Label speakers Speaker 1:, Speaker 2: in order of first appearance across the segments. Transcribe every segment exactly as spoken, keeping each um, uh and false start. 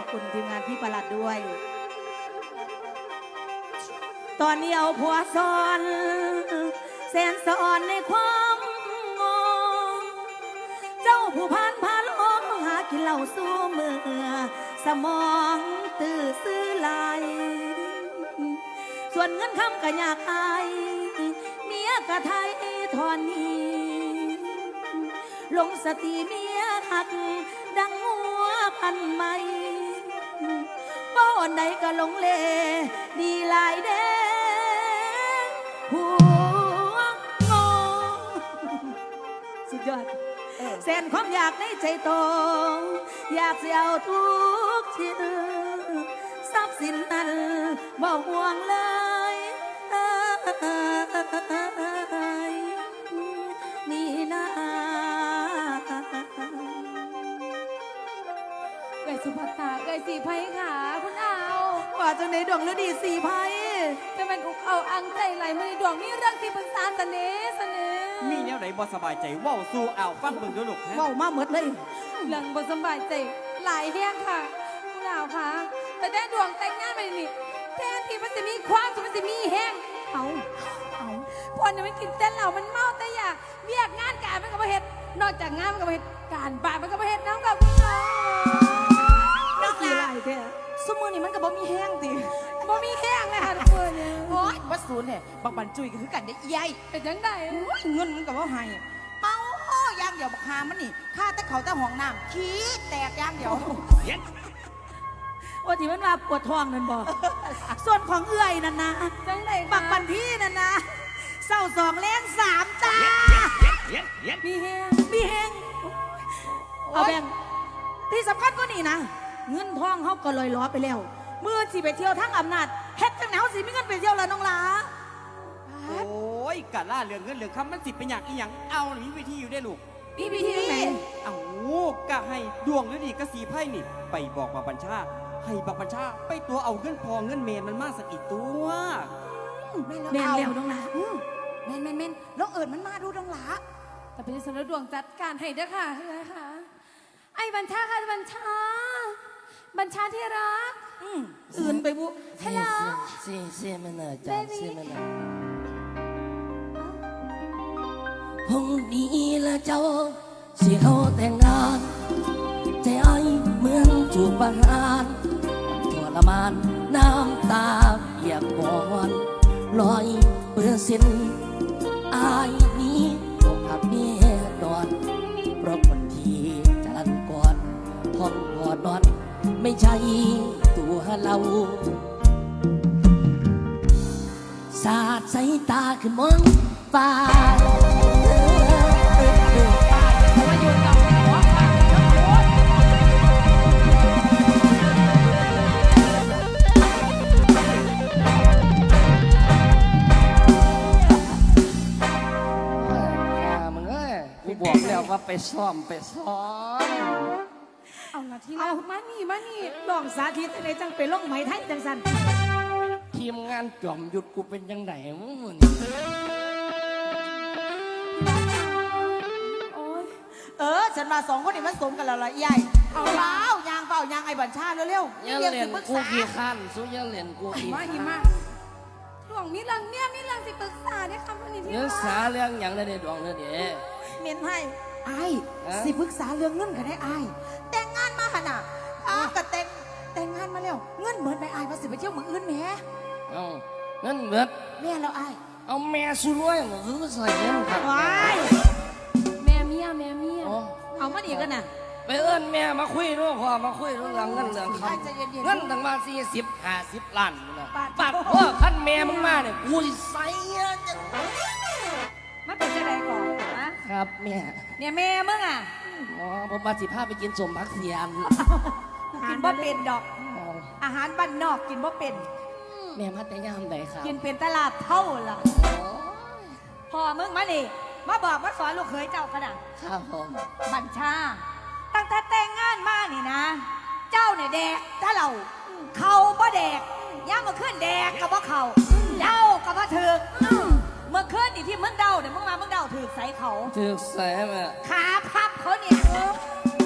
Speaker 1: คุณทีมงานพี่ประหลัดด้วย ตอนนี้เอาผัวซ้อนแสนสอนในความงงเจ้าผู้พันพาลงหากินเหล้าสู้มือสมองตื้อซื้อลายส่วนเงินคำก็อยากอายเมียกะไทยทอนนี้ลงสติเมียหักดังหัวพันไม่ป้อนใดก็ลงเลดีลายเด้หัวงอสุดยอดแสนความอยากในใจตรงอยากเสียเอาทุกชิ้นทรัพย์สินนั้นบ่ห่วงเลยนี่นะ
Speaker 2: เกยสุภัตตาเกยสีไพขาคุณเอา
Speaker 1: ว่าจะในดวงฤดีสีไพ
Speaker 2: จะเป็นอุกเอาอังใจไหลมือดวงมีเรื่องที่ปรึกษาเสน่ห์เสน่ห์
Speaker 3: มีแนวไหนบ่สบายใจว่าวสู้เอาฟังเบิ่งดูลูก
Speaker 1: ว่าวมาหมดเลย
Speaker 2: เรื่องบ่สบายใจหลายแห้งค่ะคุณเอาค่ะแต่ได้ดวงแต่งงานไปนี่แทนที่มันจะมีความสุขมันจะมีแห้งเอาเอาพอเนี่ยมันกินเต้นเหล่ามันเมาแต่อยากเรียกงานการมันก็มาเฮ็ดนอกจากงานมันก็มาเฮ็ดการบ้านมันก็มาเฮ็ดน้ำกับคุณน้อง
Speaker 1: นักกีฬาแท้
Speaker 4: สมือนี่มันก็บ่มีแห้งติ
Speaker 2: บ่มีแห้งเลยค่ะทุกคน
Speaker 4: โอ๊ยวัดศูนย์เนี่ยบางบันจุยก็คือกันได้ใหญ่
Speaker 2: เป็นจังได๋
Speaker 4: เงินมันก็บ่ให้เมาอย่างเดียวบักหามันนี่ค่าแต่เขาแต่ห้องน้ำขี้แตกอย่างเดียว
Speaker 1: ว่าที่มันว่าปวดท้องนั่นบ่ส่วนของเอื้อยนั่นนะ
Speaker 2: จังได๋
Speaker 1: บักบันพี่นั่นนะเศร้าสองแรงสามจ้า
Speaker 2: มีแห้ง
Speaker 1: มีแห้งเอาแบ่งที่สำคัญก็นี่นะเงินทองเขาก็ลอยล้อไปแล้วเมื่อสิไปเที่ยวทั้งอำนาจเฮ็ดจังแนวสิมีเงินไปเที่ยวแล้วน้องหลา
Speaker 3: โอ้ยกะล่าเรื่องเงินเรื่องคำมันสิเป็นอย่างอีหยังเอาหนีวิธีอยู่ได้ลูก
Speaker 1: มีวิธีไหน
Speaker 3: เอากะให้ดวงฤดีกะสีไพ่นี่ไปบอกมาบัญชาให้บักบัญชาไปตัวเอาเงินพอเงินเมนมันมากสักอีกตัว
Speaker 1: แม่นแล้วน้องหลา
Speaker 4: แม่นแม่นแม่นลองเอิญมันมาดูน้องหลา
Speaker 2: แต่เป็นสนดวงจัดการให้เด้อค่ะเฮ้ยค่ะไอ้บัญชาค่ะบัญชาบัญชาที่รัก
Speaker 1: อื่นไปบุ
Speaker 2: ฮัลโหล
Speaker 5: เสียเสียมันเนอะจ้าเสียมันเนอะพรุ่งนี้ละเจ้าสิเขาแต่งงานใจไอ้เหมือนจูบประหารทรมานน้ำตาเปียกปอนลอยเปลือกสิ้นอายนี้อกหักเมียดอนเพราะคนที่จันก่อนห้องกอดนอนไม่ใช่ตัวเราสาดสายตาขึ้นมองฟ้ามาอยู่กับหัวฟ้าทั้งหมดมึงเอ้ยกูบอกแล้วว่าไปซ้อมไปซ้อม
Speaker 2: เอาละทีละมานี่มานี่
Speaker 1: ลองสาธิตอะไรจังไปลงไหมไทยจังสัน
Speaker 5: ทีมงานจอมหยุดกูเป็นยังไงมึง
Speaker 4: เออฉันมาสองคนนี่มันสมกันแล้วละใหญ่เอาเล้ายางเปล่ายางไอ้บัญชาเร็ว
Speaker 5: ๆยังเรียนกูกี่ขั้นสู้ยังเรียนกูกี่
Speaker 2: มาหิมะดวงมีเรื่องเนี่ยมีเรื่องสิปรึกษาได้คำนี้ที่
Speaker 5: ว่าสาเรื่องอย่างไรเนี่ยดวงเนี่ยเดี๋ยว
Speaker 1: เมียนให้
Speaker 4: ไอ้สิปรึกษาเรื่องเงินกันได้ไอ้แต่งงานมาขนาดอ้าก็แต่งแต่งงานมาแล้วเงินเหมือนไปไอ้มาสิไปเที่ยวเมืองอื่นแม่
Speaker 5: เอาเงินเหมือน
Speaker 4: แม่เราไอ้
Speaker 5: เอาแม่สู้รวยหรือใส่เงินครับ
Speaker 1: ว้าย
Speaker 2: แม่เมียแม่เมีย
Speaker 1: เอามาดีกันน่ะ
Speaker 5: ไปเอิ้นแม่มาคุยด้วยพ่อมาคุยเรื่องเงินเรื่องคำเงินตั้งมาสี่สิบห้าสิบล้านนะปาดพ่อขั้นแม่มึงมาเนี่ยกูใส่จะ
Speaker 1: มาเป็นจะไรก่อน
Speaker 5: นะครับแม่
Speaker 1: เนี่ยแม่มึงอ่ะ
Speaker 5: อ๋อผมมาสิพาไปกินสมพักเสียม
Speaker 1: กินบ่เป็นดอกอาหารบ้านนอกกินบ่เป็น
Speaker 5: แม่มาแต่ยามใดครับ
Speaker 1: กินเป็นตลาดเท่าล่ะพอมึงมาดิมาบอกมาสอนลูกเขยเจ้าขนาด
Speaker 5: ครับผม
Speaker 1: บัญชาตั้งแต่แต่งงานมานี่นะเจ้าเนี่ยแดกถ้าเราเขาบ่แดกย่ามาขึ้นแดกกับบ่เขาเดากับบ่ถือเมื่อคืนนี่ที่มึงเดาเนี่ยมึงมามึงเดาถือใส่เขา
Speaker 5: ถือใส่แม่
Speaker 1: ขาพับเขาเนี่ย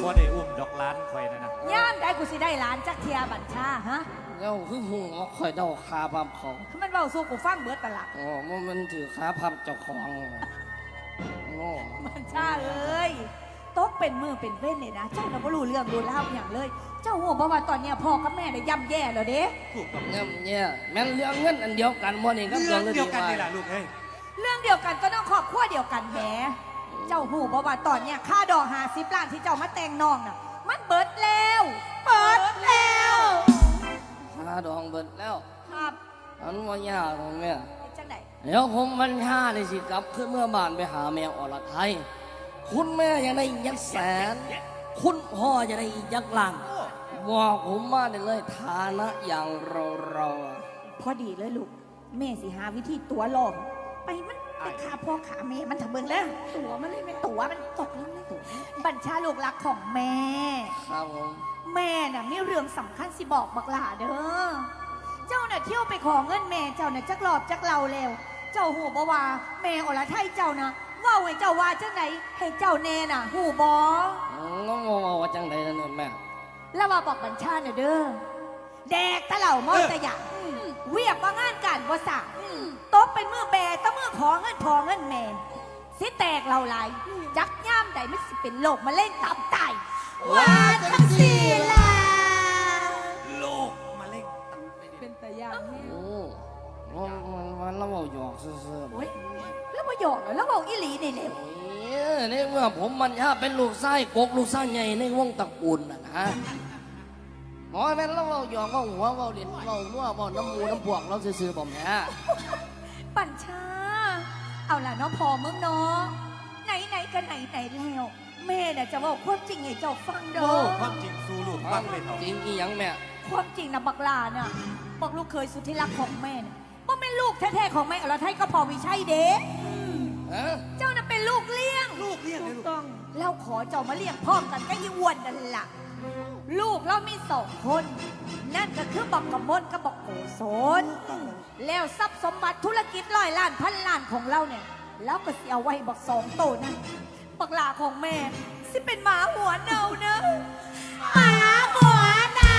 Speaker 6: บ่ได้อุ้มดอกล้านคอยนะนะ
Speaker 1: ย่ามได้กูสิได้หลานจักเทียบัญชาฮะ
Speaker 5: แล้วคือหูว่าคอยเดาคาพับเขา
Speaker 1: มันเว้าสู้กูฟังเบิดตละ
Speaker 5: อ๋อมันมันถือคาพับเจ้าของโอ้
Speaker 1: บัญชาเอ้ยตกเป็นมือเป็นเว้นเนี่ยนะเจ้าน่ะบ่รู้เรื่องรู้ราวอย่างเลย เจ้าหัวบ่ว่าตอนเนี้ยพ่อกับแม่ได้ย่ำแย่แล้วเด้
Speaker 6: ถูกต้อง
Speaker 5: เนี่ยเนี่ยแม่นเรื่องเงินอันเดียวกันบ่นี่ก็
Speaker 6: เรื่อง
Speaker 5: เรื่อง
Speaker 6: เดียวกัน
Speaker 5: ว่า
Speaker 6: นี่แหละลูกเอ้ย
Speaker 1: เรื่องเดียวกันก็ต้องครอบครัวเดียวกันแหมเจ้าหูบ่ว่าตอนเนี้ยค่าดอกหาสิบล้านที่เจ้ามาแต่งน้องน่ะ มันเบิดแล้วเบิดแล้ว
Speaker 5: คาดองเบิดแล้ว
Speaker 1: ครับ
Speaker 5: อันว่ายากของแม่
Speaker 1: เป็นจังได
Speaker 5: เดี๋ยวผมมันห้าเลยสิกลับขึ้นเมื่อบ้านไปหาแมวอรไทย คุณแม่อยังได้อีกยักแสน คุณพ่อจะได้อีกยักล้านบอกผมมาได้เลยฐานะอย่างเราเราๆอะ
Speaker 1: พอดีเลยลูกแม่สิหาวิธีตัวหลอกไปมันไปขาพ่อขาแม่มันทำเบิ่งแล้วตัวมันเลยแม่ตัวมันตกแล้วเลยตัวบัญชาลูกรักของแม่
Speaker 5: ครับผม
Speaker 1: แม่น่ะมีเรื่องสำคัญสิบอกบักหลาเด้อ เจ้าน่ะเที่ยวไปขอเงินแม่เจ้าน่ะจักรอบจักเราแล้ว เจ้าหูบ่ว่าแม่อรไทยเจ้านะเว่าให้เจ้าว่าจังไหนให้เจ้าแน่น่ะหูบ่
Speaker 5: น้องงงว่าจังใดนั่นเนี่ยแม่
Speaker 1: แล้วว่าบอกบัญชาน่ะเด้อ แดกตะเหล่ามอตะหยะเวียกว่างานการบ่สะตบเป็นมือแบตะมือขอเงินพอเงินแม่สิแตกเราหลายจักย่ามใดมันสิเป็นโรคมะเร็งตับไตว่าจังสี่ล่ะ
Speaker 6: โลกมาเล่ง
Speaker 2: เป็นแต่อย่างนี้
Speaker 5: โอ้มันมันมันเราบอกหยอกซื่อๆ
Speaker 1: โอ้ยแล้วมาหยอกเหรอแล้วบอกอีหลีนี่เร็ว
Speaker 5: เอ้ยในเมื่อผมมันถ้าเป็นลูกไส้กกลูกไส้ใหญ่ในวงตระกูลน่ะนะหมอแม่นเราเอาหยอกเราหัวเราเด่นเรานัวเราน้ำมูน้ำพวกเราซื่อๆผมแม่
Speaker 1: ปัญชา เอาล่ะเนาะพอมึงเนาะไหนไหนๆกันไหนไหนๆแล้ว แม่น่ะจะบอกความจริงให้เจ้าฟังเด้
Speaker 6: โอ้
Speaker 1: อ
Speaker 6: ความจริงสู้ลูกฟังเลยเถอะ
Speaker 5: จริงอีหยังแม่
Speaker 1: ความจริงนะบักลาน่ะบอกลูกเคยสุดที่รักของแม่น่ะว่าแม่ลูกแท้ๆของแม่อรไทยก็พอวิชัยเด้
Speaker 5: ฮะ
Speaker 1: เจ้าน่ะเป็นลูกเลี้ยง
Speaker 6: ลูกเลี้ยงเลยลูก
Speaker 1: ต้องแล้วขอเจ้ามาเลี้ยงพร้อมกันก็ยี่อ้วนนั่นล่ะ ลูกเรามีสองคน นั่นก็คือบักกะมลกับบักโกศลแล้วทรัพย์สมบัติธุรกิจร้อยล้านพันล้านของเราเนี่ยแล้วก็สิเอาไว้บักสองโตนั่นบักลาของแม่ สิเป็นหมาหัวเน่าเนอะหมาหัวเน่า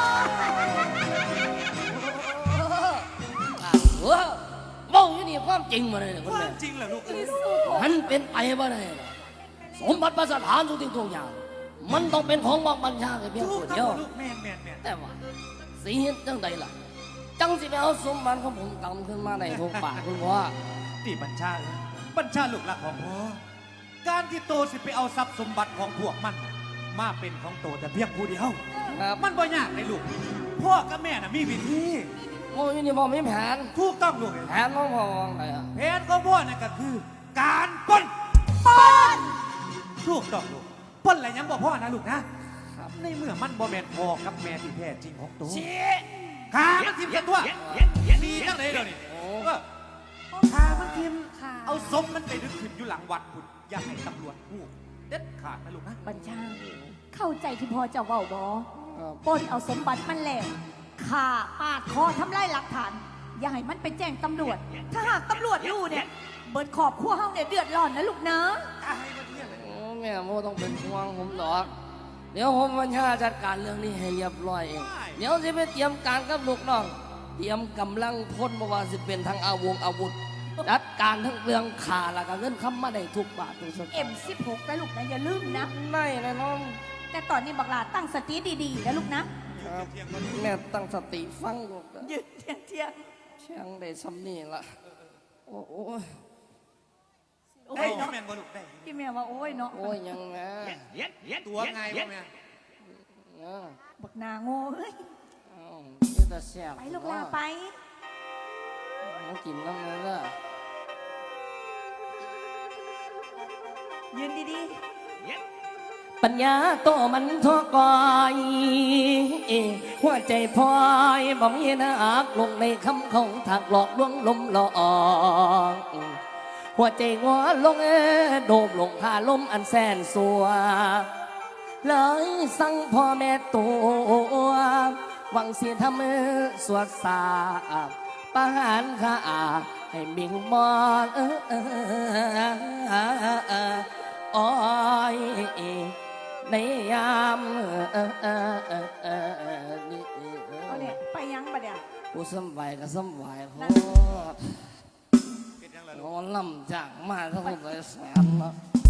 Speaker 5: อ่ะเออบอกอยู่นี่ความจริงมาเลยคุณ
Speaker 6: ควา
Speaker 5: แม่
Speaker 6: มจริงเหรอลูกเอ้ย
Speaker 5: มันเป็นไปบ่ได้หรอกสมบัติประสถานทุกสิ่งทุกอย่าง มันต้องเป็นของบักบัญชาแค่เพียง
Speaker 6: ถู
Speaker 5: ค
Speaker 6: ก
Speaker 5: น
Speaker 6: ต้
Speaker 5: เดียว
Speaker 6: องลูกแม่นแม่นแม่น
Speaker 5: แต่ว่าสีเห็นจังใดล่ะ จังสิไปเอาสมบัติของผมกำขึ้นมาในทุกปากคุณว่า
Speaker 6: ที่บัญชาเอ้ยบัญชาลูกหลักของพ่อการที่โตสิไปเอาทรัพย์สมบัติของพวกมันน่ะมาเป็นของโตแต่เพียงผู้เดียว
Speaker 5: ครับ
Speaker 6: มันบ่ยากเลยลูกพ่อกับแม่น่ะมีวิธี
Speaker 5: โอ้ยนี่พ่อมีแผน
Speaker 6: ถูกต้องลูกเอ้ย
Speaker 5: แผนของพ่อวางไหนอ่ะ
Speaker 6: แผนของพ่อนั่นก็คือ การปล้น
Speaker 1: ปน
Speaker 6: ถูกต้องลูกปล้นอะไรยังบ่พ่อนะลูกนะในเมื่อมันบ่แม่นพ่อกับแม่ที่แท้จริงของตัวขามันทิมกันตัวมีจังไหนเดี๋ยวนี้เออขามันทิม
Speaker 1: ค่ะ
Speaker 6: เอาศพมันไปดึกขึ้นอยู่หลังวัดคุณอย่าให้ตำรวจพูดเด็ดขาดนะลูกนะ
Speaker 1: บัญชา เข้าใจที่พ่อเจะเว้าบอ
Speaker 5: ครับ
Speaker 1: ปล้นเอาสมบัติมันแล้วฆ่าปาดคอทำลายหลักฐาน อย่าให้มันไปแจ้งตำรวจ ถ้าหากตำรวจรู้เนี่ย เบิดขอบขั้วเฮาเนี่ยเดือดร้อนนะลูกนะ
Speaker 6: ตายมาเที่ยงเลย
Speaker 5: โอ้แม่โมต้องเป็นห่วงผมหรอกเดี๋ยวผมบัญชาจัดการเรื่องนี้ให้เรียบร้อยเองเดี๋ยวจะไปเตรียมการกับลูกน้องเตรียมกำลังพลมาว่าสิเป็นทั้งอาวงอาวุธจัดการทั้งเรื่องขาแล้วก็เงินคำมาได้ทุกบาททุกสตางค์
Speaker 1: เอ็มสิบหกนะลูกนะอย่าลืมนะ
Speaker 5: ได้เลยน้อง
Speaker 1: แต่ตอนนี้บักหลาตั้งสติดีๆนะลูกนะ
Speaker 5: ครับแม่ตั้งสติฟังลูกนะ
Speaker 1: ยืนเที่ยงเที่ยง
Speaker 5: เชียงได้ซ้ำนี่ละโอ้โอ้ย
Speaker 1: โอ้
Speaker 6: ได้
Speaker 1: ย
Speaker 6: อยู
Speaker 1: เนาะ
Speaker 6: แมนบ่ลูกได้
Speaker 1: พี่แม่ว่าโอ้ยเนาะ
Speaker 5: โอ้ยยังแม่
Speaker 6: ตัวไงบ่แม่
Speaker 5: เออ
Speaker 1: บักนาโง่เอ้ย
Speaker 5: เอ้าเดี๋ยวแต่แซ่บ
Speaker 1: ไปลูกลาไป
Speaker 5: มากินน้ำเลยละ
Speaker 1: ยืนดี
Speaker 5: ปัญญาโตมันทั่วกอยหัวใจพลอยบ่มีนักลงในคำของถักหลอกลวงลมหลอกหัวใจงัวลงเอโดมลงพาลมอันแสนสัวเลยสั่งพ่อแม่ตัวหวังเสียทำมือสวดสาบประหารข้าให้มิงมอนเออเออเออเอออ้อยในยามเอ่อเอ่อเอ่อเอ่อเอ่อนี่
Speaker 4: เอาเนี่ยไปยังปะเนี่ย
Speaker 5: ผู้สำบายก็สำบายโพด
Speaker 6: เป็นยังไง
Speaker 5: น
Speaker 6: ลูก
Speaker 5: อนลำจากมาทั้งหมดเลยแสนเนาะ